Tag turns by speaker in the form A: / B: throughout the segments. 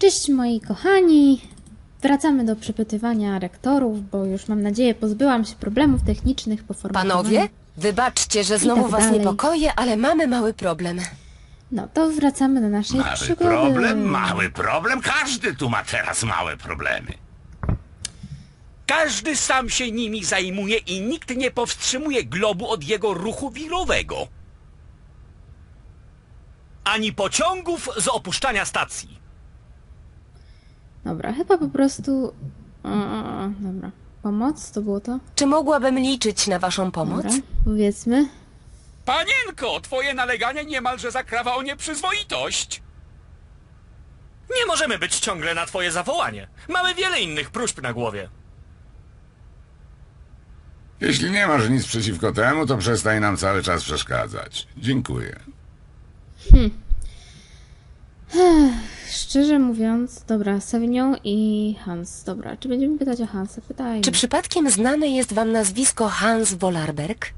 A: Cześć moi kochani, wracamy do przepytywania rektorów, bo już mam nadzieję pozbyłam się problemów technicznych po formatowaniu.
B: Panowie, wybaczcie, że znowu
A: tak
B: was
A: dalej.
B: niepokoję, ale mamy mały problem.
A: No to wracamy do naszej
C: Mały
A: przygody.
C: mały problem. Każdy tu ma teraz małe problemy.
D: Każdy sam się nimi zajmuje i nikt nie powstrzymuje globu od jego ruchu wirowego. Ani pociągów z opuszczania stacji.
A: Dobra, chyba po prostu... dobra. Pomoc? To było to?
B: Czy mogłabym liczyć na waszą pomoc?
A: Dobra, powiedzmy.
D: Panienko, twoje naleganie niemalże zakrawa o nieprzyzwoitość.
E: Nie możemy być ciągle na twoje zawołanie. Mamy wiele innych próśb na głowie.
C: Jeśli nie masz nic przeciwko temu, to przestań nam cały czas przeszkadzać. Dziękuję.
A: Szczerze mówiąc, dobra, Savignon i Hans. Dobra, czy będziemy pytać o Hansa? Pytajmy.
B: Czy przypadkiem znane jest wam nazwisko Hans Wolarberg?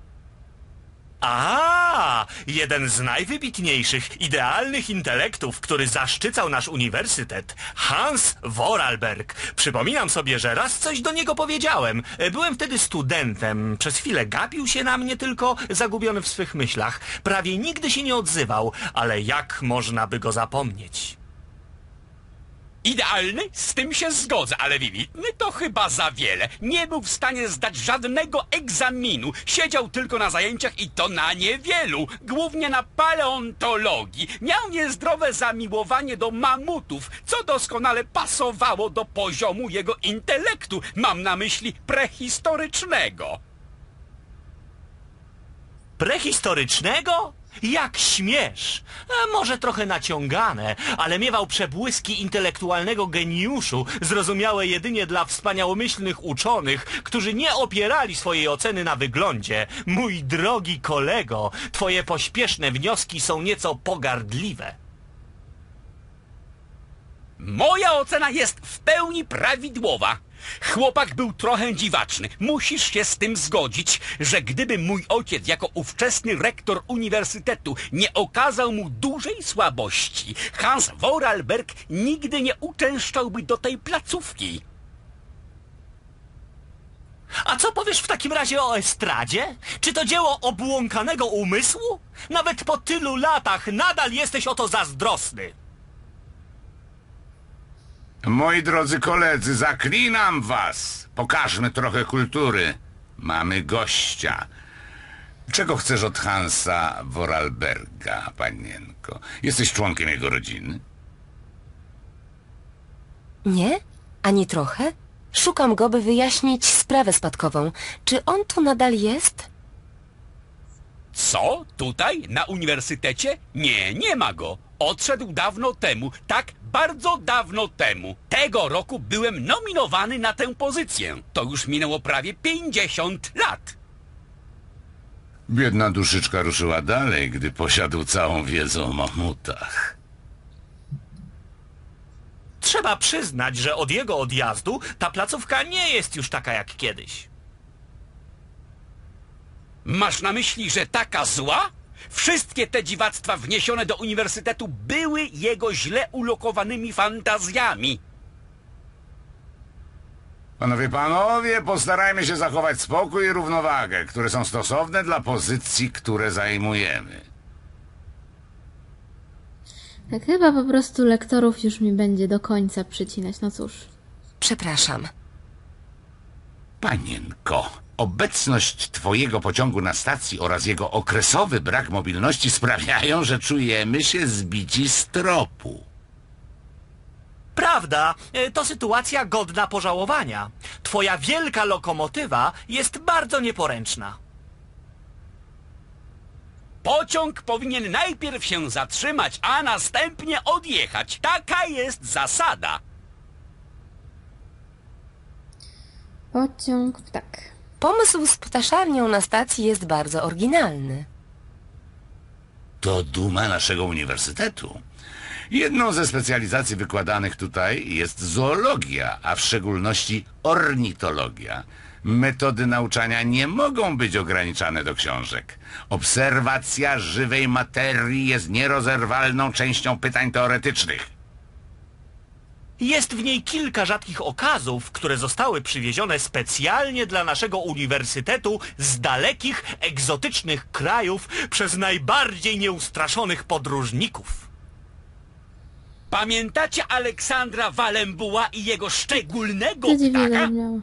E: A, jeden z najwybitniejszych, idealnych intelektów, który zaszczycał nasz uniwersytet. Hans Vorarlberg. Przypominam sobie, że raz coś do niego powiedziałem. Byłem wtedy studentem. Przez chwilę gapił się na mnie tylko, zagubiony w swych myślach. Prawie nigdy się nie odzywał, ale jak można by go zapomnieć?
D: Idealny? Z tym się zgodzę, ale wybitny to chyba za wiele. Nie był w stanie zdać żadnego egzaminu. Siedział tylko na zajęciach i to na niewielu. Głównie na paleontologii. Miał niezdrowe zamiłowanie do mamutów, co doskonale pasowało do poziomu jego intelektu. Mam na myśli prehistorycznego.
E: Prehistorycznego? Jak śmiesz! Może trochę naciągane, ale miewał przebłyski intelektualnego geniuszu, zrozumiałe jedynie dla wspaniałomyślnych uczonych, którzy nie opierali swojej oceny na wyglądzie. Mój drogi kolego, twoje pośpieszne wnioski są nieco pogardliwe.
D: Moja ocena jest w pełni prawidłowa. Chłopak był trochę dziwaczny. Musisz się z tym zgodzić, że gdyby mój ojciec jako ówczesny rektor uniwersytetu nie okazał mu dużej słabości, Hans Vorarlberg nigdy nie uczęszczałby do tej placówki.
E: A co powiesz w takim razie o estradzie? Czy to dzieło obłąkanego umysłu? Nawet po tylu latach nadal jesteś o to zazdrosny.
C: Moi drodzy koledzy, zaklinam was. Pokażmy trochę kultury. Mamy gościa. Czego chcesz od Hansa Vorarlberga, panienko? Jesteś członkiem jego rodziny?
B: Nie? Ani trochę? Szukam go, by wyjaśnić sprawę spadkową. Czy on tu nadal jest?
D: Co? Tutaj? Na uniwersytecie? Nie, nie ma go. Odszedł dawno temu. Tak, bardzo dawno temu. Tego roku byłem nominowany na tę pozycję. To już minęło prawie 50 lat.
C: Biedna duszyczka ruszyła dalej, gdy posiadł całą wiedzę o mamutach.
E: Trzeba przyznać, że od jego odjazdu ta placówka nie jest już taka jak kiedyś.
D: Masz na myśli, że taka zła? Wszystkie te dziwactwa wniesione do uniwersytetu były jego źle ulokowanymi fantazjami.
C: Panowie, postarajmy się zachować spokój i równowagę, które są stosowne dla pozycji, które zajmujemy.
A: Tak chyba po prostu lektorów już mi będzie do końca przycinać, no cóż.
B: Przepraszam.
C: Panienko, obecność twojego pociągu na stacji oraz jego okresowy brak mobilności sprawiają, że czujemy się zbici z tropu.
E: Prawda, to sytuacja godna pożałowania. Twoja wielka lokomotywa jest bardzo nieporęczna.
D: Pociąg powinien najpierw się zatrzymać, a następnie odjechać. Taka jest zasada.
A: Pociąg, tak.
B: Pomysł z ptaszarnią na stacji jest bardzo oryginalny.
C: To duma naszego uniwersytetu. Jedną ze specjalizacji wykładanych tutaj jest zoologia, a w szczególności ornitologia. Metody nauczania nie mogą być ograniczane do książek. Obserwacja żywej materii jest nierozerwalną częścią pytań teoretycznych.
E: Jest w niej kilka rzadkich okazów, które zostały przywiezione specjalnie dla naszego uniwersytetu z dalekich, egzotycznych krajów przez najbardziej nieustraszonych podróżników.
D: Pamiętacie Aleksandra Walembuła i jego szczególnego
A: To dziwnie
D: ptaka?
A: zabrzmiało.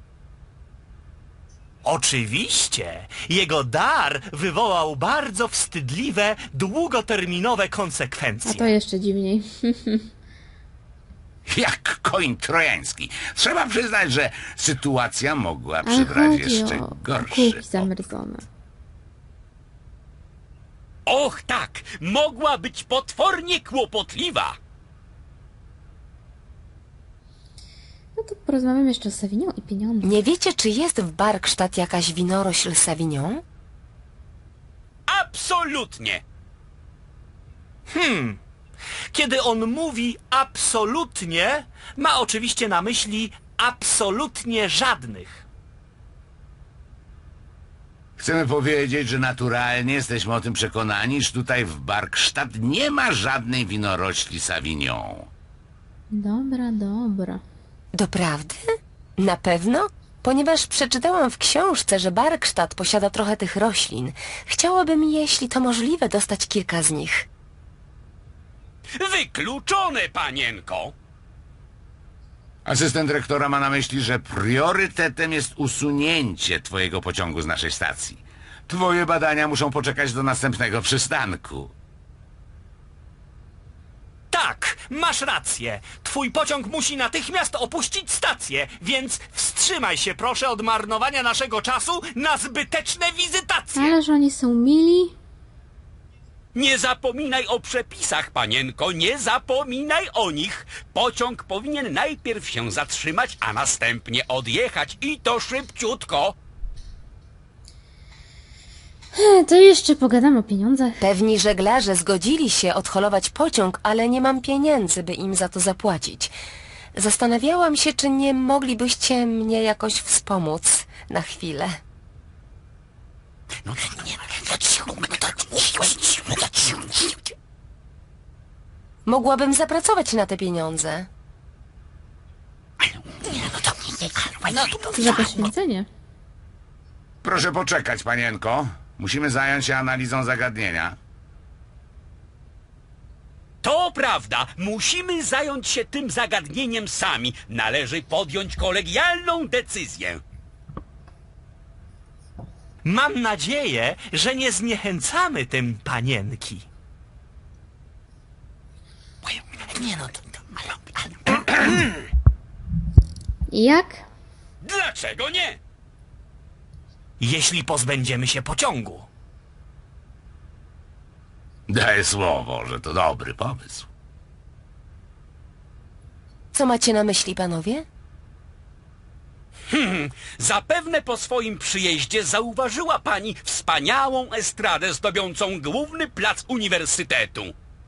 E: Oczywiście, jego dar wywołał bardzo wstydliwe, długoterminowe
A: A
E: konsekwencje.
A: to jeszcze dziwniej.
C: Jak koń trojański. Trzeba przyznać, że sytuacja mogła
A: Ale
C: przybrać
A: chodzi
C: jeszcze
A: o
C: gorszy.
A: kuki zamrzone.
D: Och tak, mogła być potwornie kłopotliwa.
A: No to porozmawiamy jeszcze o Savignon i pieniądzach.
B: Nie wiecie, czy jest w Barkstadt jakaś winorośl Savignon?
D: Absolutnie.
E: Kiedy on mówi absolutnie, ma oczywiście na myśli absolutnie żadnych.
C: Chcemy powiedzieć, że naturalnie jesteśmy o tym przekonani, że tutaj w Barkstadt nie ma żadnej winorośli Savignon.
A: Dobra, dobra.
B: Doprawdy? Na pewno? Ponieważ przeczytałam w książce, że Barkstadt posiada trochę tych roślin. Chciałabym, jeśli to możliwe, dostać kilka z nich.
D: Wykluczone, panienko.
C: Asystent rektora ma na myśli, że priorytetem jest usunięcie twojego pociągu z naszej stacji. Twoje badania muszą poczekać do następnego przystanku.
E: Tak, masz rację. Twój pociąg musi natychmiast opuścić stację, więc wstrzymaj się proszę od marnowania naszego czasu na zbyteczne wizytacje.
A: Ależ oni są mili.
D: Nie zapominaj o przepisach, panienko, nie zapominaj o nich. Pociąg powinien najpierw się zatrzymać, a następnie odjechać i to szybciutko.
A: To jeszcze pogadam o pieniądzach.
B: Pewni żeglarze zgodzili się odholować pociąg, ale nie mam pieniędzy, by im za to zapłacić. Zastanawiałam się, czy nie moglibyście mnie jakoś wspomóc na chwilę. Mogłabym zapracować na te pieniądze.
A: Za poświęcenie.
C: Proszę poczekać, panienko. Musimy zająć się analizą zagadnienia.
D: To prawda, musimy zająć się tym zagadnieniem sami. Należy podjąć kolegialną decyzję.
E: Mam nadzieję, że nie zniechęcamy tym panienki.
A: I jak?
D: Dlaczego nie?
E: Jeśli pozbędziemy się pociągu.
C: Daję słowo, że to dobry pomysł.
B: Co macie na myśli, panowie?
D: Zapewne po swoim przyjeździe zauważyła pani wspaniałą estradę zdobiącą główny plac uniwersytetu.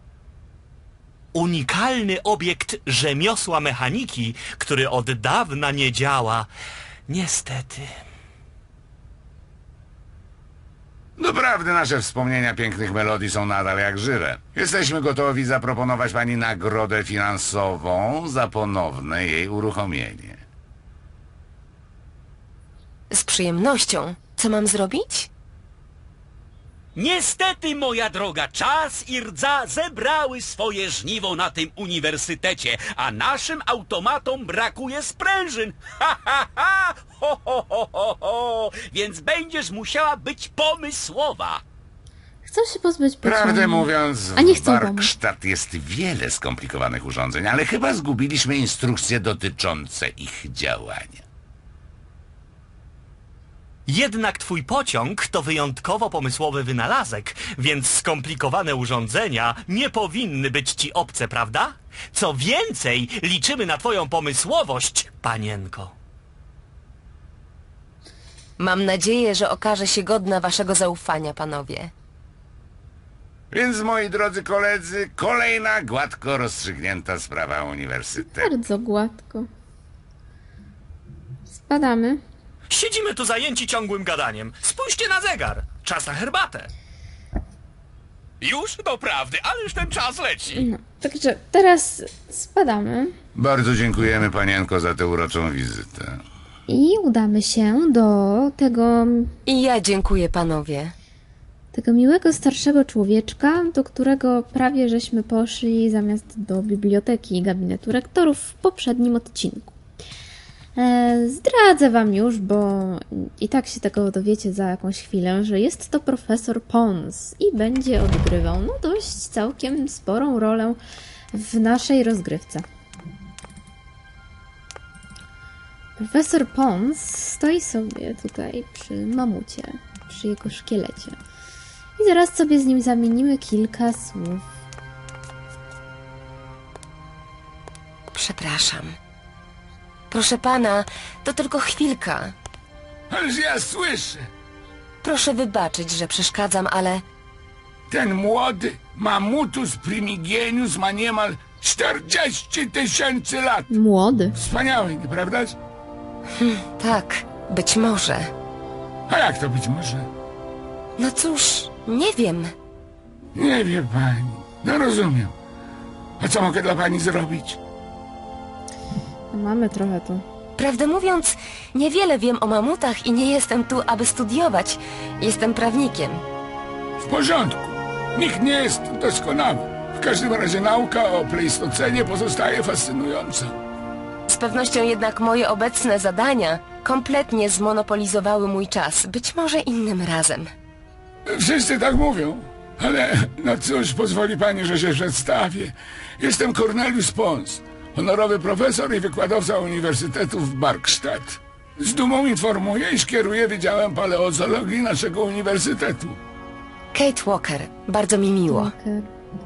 E: Unikalny obiekt rzemiosła mechaniki, który od dawna nie działa. Niestety.
C: Doprawdy nasze wspomnienia pięknych melodii są nadal jak żywe. Jesteśmy gotowi zaproponować pani nagrodę finansową za ponowne jej uruchomienie.
B: Z przyjemnością. Co mam zrobić?
D: Niestety, moja droga, czas i rdza zebrały swoje żniwo na tym uniwersytecie, a naszym automatom brakuje sprężyn. Ha, ha, ha! Ho, ho, ho, ho, ho! Więc będziesz musiała być pomysłowa.
A: Chcą się pozbyć pociągu.
C: Prawdę mówiąc,
A: A nie
C: w
A: chcą pomóc.
C: Barkstadt jest wiele skomplikowanych urządzeń, ale chyba zgubiliśmy instrukcje dotyczące ich działania.
E: Jednak twój pociąg to wyjątkowo pomysłowy wynalazek, więc skomplikowane urządzenia nie powinny być ci obce, prawda? Co więcej, liczymy na twoją pomysłowość, panienko.
B: Mam nadzieję, że okaże się godna waszego zaufania, panowie.
C: Więc, moi drodzy koledzy, kolejna gładko rozstrzygnięta sprawa uniwersytetu.
A: Bardzo gładko. Spadamy.
E: Siedzimy tu zajęci ciągłym gadaniem. Spójrzcie na zegar. Czas na herbatę.
D: Już doprawdy, ależ ten czas leci.
A: No, także teraz spadamy
C: Bardzo dziękujemy, panienko, za tę uroczą wizytę.
A: i udamy się do
B: I ja dziękuję, panowie.
A: tego miłego starszego człowieczka, do którego prawie żeśmy poszli zamiast do biblioteki i gabinetu rektorów w poprzednim odcinku. Zdradzę wam już, bo i tak się tego dowiecie za jakąś chwilę, że jest to profesor Pons i będzie odgrywał dość całkiem sporą rolę w naszej rozgrywce. Profesor Pons stoi sobie tutaj przy mamucie, przy jego szkielecie. I zaraz sobie z nim zamienimy kilka słów.
B: Przepraszam. Proszę pana, to tylko chwilka.
C: Ależ ja słyszę,
B: Proszę wybaczyć, że przeszkadzam, ale
C: ten młody Mammutus primigenius ma niemal 40 000 lat.
A: Młody.
C: Wspaniały, nieprawdaż?
B: tak, być może.
C: A jak to być może?
B: No cóż, nie wiem.
C: Nie wie pani. No rozumiem. A co mogę dla pani zrobić?
A: Mamy trochę tu.
B: Prawdę mówiąc, niewiele wiem o mamutach i nie jestem tu, aby studiować. Jestem prawnikiem.
C: W porządku. Nikt nie jest doskonały. W każdym razie nauka o Pleistocenie pozostaje fascynująca.
B: Z pewnością jednak moje obecne zadania kompletnie zmonopolizowały mój czas. Być może innym razem.
C: Wszyscy tak mówią. Ale no cóż, pozwoli pani, że się przedstawię. Jestem Cornelius Pons, honorowy profesor i wykładowca Uniwersytetu w Barkstadt. Z dumą informuję, iż kieruję Wydziałem Paleozoologii naszego uniwersytetu.
B: Kate Walker, bardzo mi miło.
A: Walker.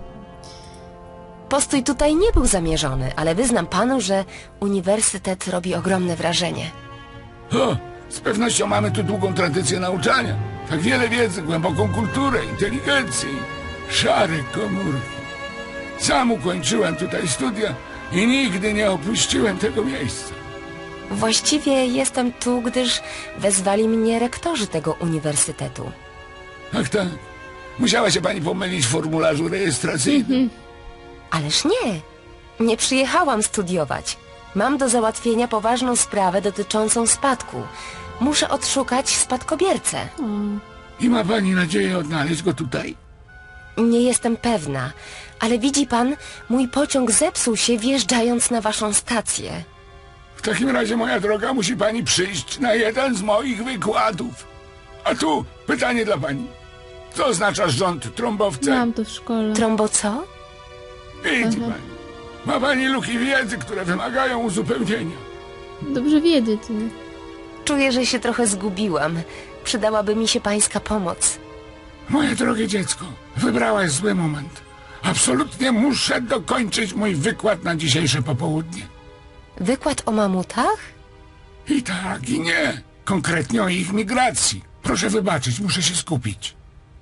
B: Postój tutaj nie był zamierzony, ale wyznam panu, że uniwersytet robi ogromne wrażenie.
C: O, z pewnością mamy tu długą tradycję nauczania. Tak wiele wiedzy, głęboką kulturę, inteligencję i szare komórki. Sam ukończyłem tutaj studia i nigdy nie opuściłem tego miejsca.
B: Właściwie jestem tu, gdyż wezwali mnie rektorzy tego uniwersytetu.
C: Ach tak, musiała się pani pomylić w formularzu rejestracyjnym.
B: Ależ nie, nie przyjechałam studiować. Mam do załatwienia poważną sprawę dotyczącą spadku. Muszę odszukać spadkobiercę.
C: I ma pani nadzieję odnaleźć go tutaj?
B: Nie jestem pewna, ale widzi pan, mój pociąg zepsuł się wjeżdżając na waszą stację.
C: W takim razie, moja droga, musi pani przyjść na jeden z moich wykładów. A tu pytanie dla pani. Co oznacza rząd trąbowce?
A: Mam to w szkole.
B: Trombo co?
C: Widzi pani. Ma pani luki wiedzy, które wymagają uzupełnienia.
A: Dobrze wiedzieć, nie?
B: Czuję, że się trochę zgubiłam. Przydałaby mi się pańska pomoc.
C: Moje drogie dziecko, wybrałaś zły moment. Absolutnie muszę dokończyć mój wykład na dzisiejsze popołudnie.
B: Wykład o mamutach?
C: I tak, i nie. Konkretnie o ich migracji. Proszę wybaczyć, muszę się skupić.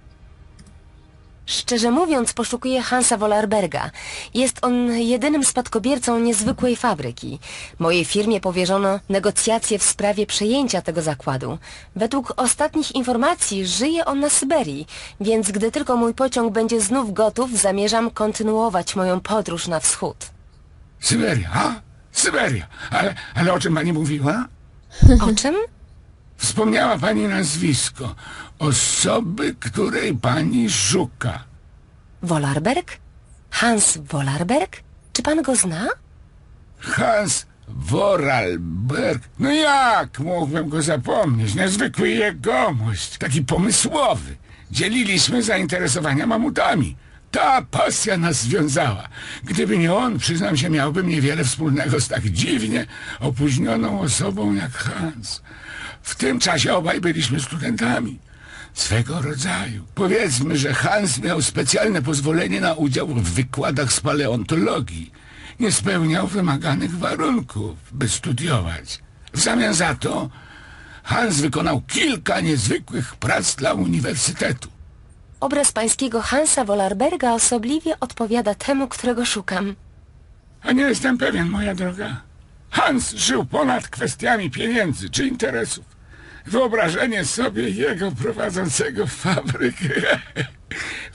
B: Szczerze mówiąc, poszukuję Hansa Wollerberga. Jest on jedynym spadkobiercą niezwykłej fabryki. Mojej firmie powierzono negocjacje w sprawie przejęcia tego zakładu. Według ostatnich informacji żyje on na Syberii, więc gdy tylko mój pociąg będzie znów gotów, zamierzam kontynuować moją podróż na wschód.
C: Syberia, a? Syberia. Ale o czym pani mówiła?
B: O czym?
C: Wspomniała pani nazwisko osoby, której pani szuka.
B: Wollerberg? Hans Wollerberg? Czy pan go zna?
C: Hans Vorarlberg. No jak mógłbym go zapomnieć? Niezwykły jegomość, taki pomysłowy. Dzieliliśmy zainteresowania mamutami. Ta pasja nas związała. Gdyby nie on, przyznam się, miałbym niewiele wspólnego z tak dziwnie opóźnioną osobą jak Hans. W tym czasie obaj byliśmy studentami. Swego rodzaju. Powiedzmy, że Hans miał specjalne pozwolenie na udział w wykładach z paleontologii. Nie spełniał wymaganych warunków, by studiować. W zamian za to Hans wykonał kilka niezwykłych prac dla uniwersytetu.
B: Obraz pańskiego Hansa Wollerberga osobliwie odpowiada temu, którego szukam.
C: A nie jestem pewien, moja droga. Hans żył ponad kwestiami pieniędzy czy interesów. Wyobrażenie sobie jego prowadzącego fabrykę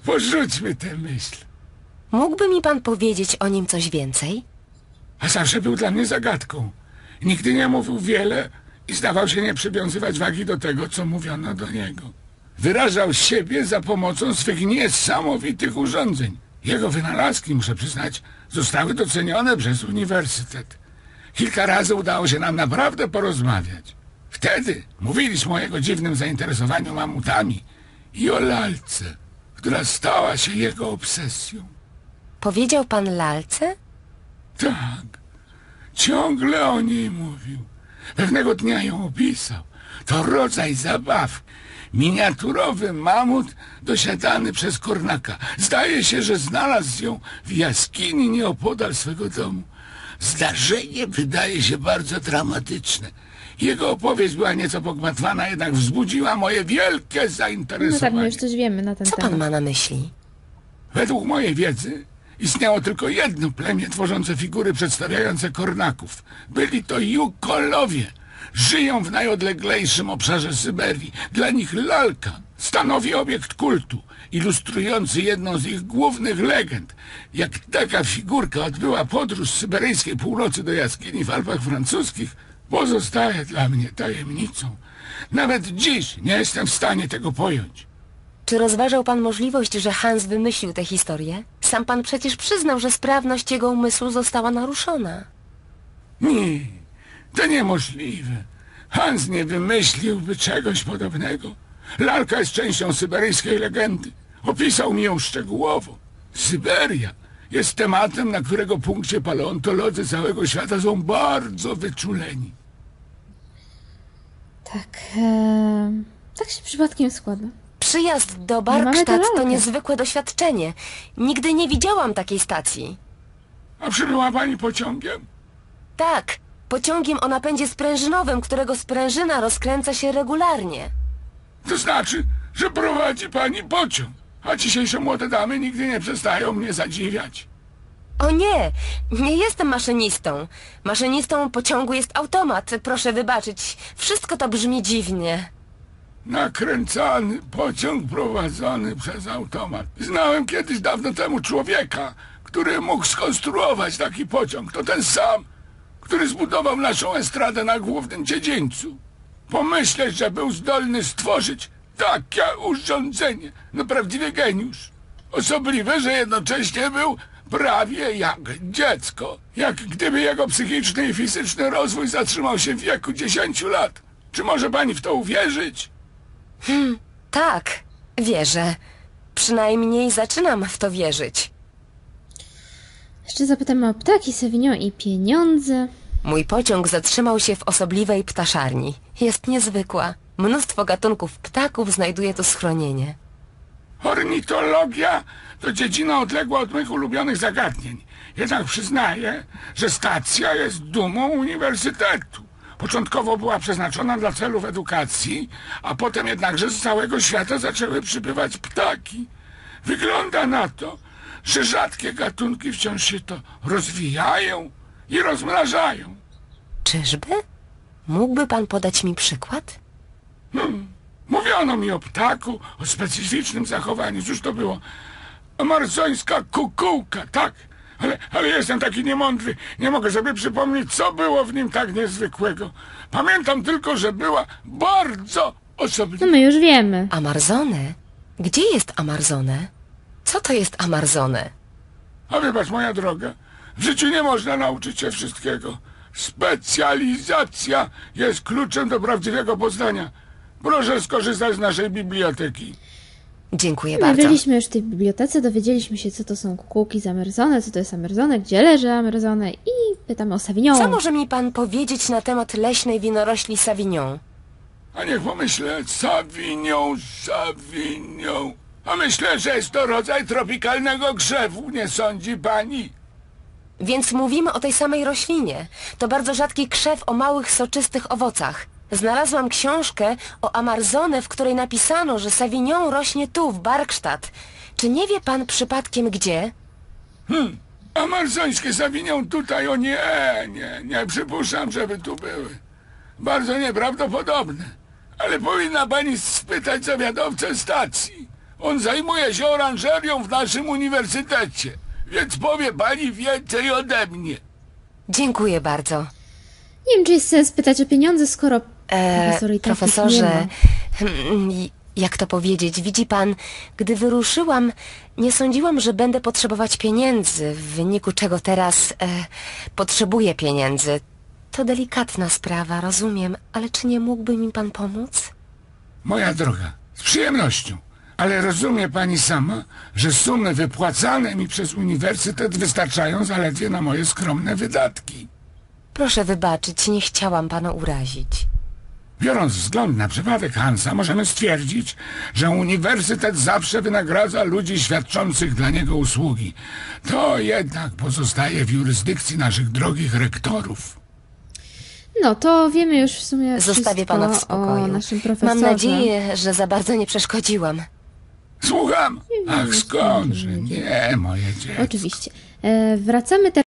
F: Porzućmy tę myśl.
B: Mógłby mi pan powiedzieć o nim coś więcej?
F: A zawsze był dla mnie zagadką. Nigdy nie mówił wiele i zdawał się nie przywiązywać wagi do tego, co mówiono do niego. Wyrażał siebie za pomocą swych niesamowitych urządzeń. Jego wynalazki, muszę przyznać, zostały docenione przez uniwersytet. Kilka razy udało się nam naprawdę porozmawiać. Wtedy mówiliśmy o jego dziwnym zainteresowaniu mamutami i o lalce, która stała się jego obsesją.
B: Powiedział pan lalce?
F: Tak, ciągle o niej mówił. Pewnego dnia ją opisał. To rodzaj zabaw. Miniaturowy mamut dosiadany przez kornaka. Zdaje się, że znalazł ją w jaskini nieopodal swego domu. Zdarzenie wydaje się bardzo dramatyczne. Jego opowieść była nieco pogmatwana, jednak wzbudziła moje wielkie
A: No tak,
F: zainteresowanie.
A: my już coś wiemy na ten
B: Co
A: temat.
B: pan ma na myśli?
F: Według mojej wiedzy istniało tylko jedno plemię tworzące figury przedstawiające kornaków. Byli to Jukolowie. Żyją w najodleglejszym obszarze Syberii. Dla nich lalka stanowi obiekt kultu, ilustrujący jedną z ich głównych legend. Jak taka figurka odbyła podróż z syberyjskiej północy do jaskini w Alpach francuskich, pozostaje dla mnie tajemnicą. Nawet dziś nie jestem w stanie tego pojąć.
B: Czy rozważał pan możliwość, że Hans wymyślił tę historię? Sam pan przecież przyznał, że sprawność jego umysłu została naruszona.
F: Nie, to niemożliwe. Hans nie wymyśliłby czegoś podobnego. Lalka jest częścią syberyjskiej legendy. Opisał mi ją szczegółowo. Syberia jest tematem, na którego punkcie paleontolodzy całego świata są bardzo wyczuleni.
A: Tak, tak się przypadkiem składa.
B: Przyjazd do
A: mamy
B: Barkstadt
A: tę
B: to
A: lalkę.
B: niezwykłe doświadczenie. Nigdy nie widziałam takiej stacji.
F: A przybyła pani pociągiem?
B: Tak, pociągiem o napędzie sprężynowym, którego sprężyna rozkręca się regularnie.
F: To znaczy, że prowadzi pani pociąg. A dzisiejsze młode damy nigdy nie przestają mnie zadziwiać.
B: O nie, nie jestem maszynistą. Maszynistą pociągu jest automat, proszę wybaczyć. Wszystko to brzmi dziwnie.
F: Nakręcany pociąg prowadzony przez automat. Znałem kiedyś dawno temu człowieka, który mógł skonstruować taki pociąg. To ten sam, który zbudował naszą estradę na głównym dziedzińcu. Pomyśleć, że był zdolny stworzyć takie urządzenie. No prawdziwy geniusz. Osobliwe, że jednocześnie był prawie jak dziecko. Jak gdyby jego psychiczny i fizyczny rozwój zatrzymał się w wieku 10 lat. Czy może pani w to uwierzyć?
B: Tak, wierzę. Przynajmniej zaczynam w to wierzyć.
A: Jeszcze zapytamy o ptaki, Savignon i pieniądze.
B: Mój pociąg zatrzymał się w osobliwej ptaszarni. Jest niezwykła. Mnóstwo gatunków ptaków znajduje tu schronienie.
F: Ornitologia to dziedzina odległa od moich ulubionych zagadnień. Jednak przyznaję, że stacja jest dumą uniwersytetu. Początkowo była przeznaczona dla celów edukacji, a potem jednakże z całego świata zaczęły przybywać ptaki. Wygląda na to, że rzadkie gatunki wciąż się to rozwijają i rozmnażają.
B: Czyżby? Mógłby pan podać mi przykład?
F: Mówiono mi o ptaku, o specyficznym zachowaniu. Cóż to było? Amarsońska kukułka, tak. Ale jestem taki niemądry. Nie mogę sobie przypomnieć, co było w nim tak niezwykłego. Pamiętam tylko, że była bardzo osobliwa.
A: No my już wiemy.
B: Amarzone? Gdzie jest Amarzone? Co to jest Amarzone?
F: A wybacz, moja droga, w życiu nie można nauczyć się wszystkiego. Specjalizacja jest kluczem do prawdziwego poznania. Proszę skorzystać z naszej biblioteki.
B: Dziękuję
A: My
B: bardzo.
A: byliśmy już w tej bibliotece, dowiedzieliśmy się, co to są kukułki z Amerzone, co to jest Amerzone, gdzie leży Amerzone i pytamy o Savignon.
B: Co może mi pan powiedzieć na temat leśnej winorośli Savignon?
F: A niech pomyślę, Savignon. A myślę, że jest to rodzaj tropikalnego grzewu, nie sądzi pani?
B: Więc mówimy o tej samej roślinie. To bardzo rzadki krzew o małych, soczystych owocach. Znalazłam książkę o Amarzone, w której napisano, że Savignon rośnie tu, w Barkstadt. Czy nie wie pan przypadkiem gdzie?
F: Amarsońskie Savignon tutaj, o nie przypuszczam, żeby tu były. Bardzo nieprawdopodobne. Ale powinna pani spytać zawiadowcę stacji. On zajmuje się oranżerią w naszym uniwersytecie, więc powie pani więcej ode mnie.
B: Dziękuję bardzo.
A: Nie wiem, czy jest sens pytać o pieniądze, skoro profesor i tak ich nie
B: Profesorze,
A: ma.
B: jak to powiedzieć, widzi pan, gdy wyruszyłam, nie sądziłam, że będę potrzebować pieniędzy, w wyniku czego teraz potrzebuję pieniędzy. To delikatna sprawa, rozumiem, ale czy nie mógłby mi pan pomóc?
F: Moja droga, z przyjemnością. Ale rozumie pani sama, że sumy wypłacane mi przez uniwersytet wystarczają zaledwie na moje skromne wydatki.
B: Proszę wybaczyć, nie chciałam pana urazić.
F: Biorąc wzgląd na przypadek Hansa, możemy stwierdzić, że uniwersytet zawsze wynagradza ludzi świadczących dla niego usługi. To jednak pozostaje w jurysdykcji naszych drogich rektorów.
A: No, to wiemy już w sumie
B: Zostawię
A: wszystko
B: pana w spokoju.
A: o naszym profesorze.
B: Mam nadzieję, że za bardzo nie przeszkodziłam.
F: Słucham? Ach, skądże? Nie, moje dziecko.
A: Oczywiście. Wracamy teraz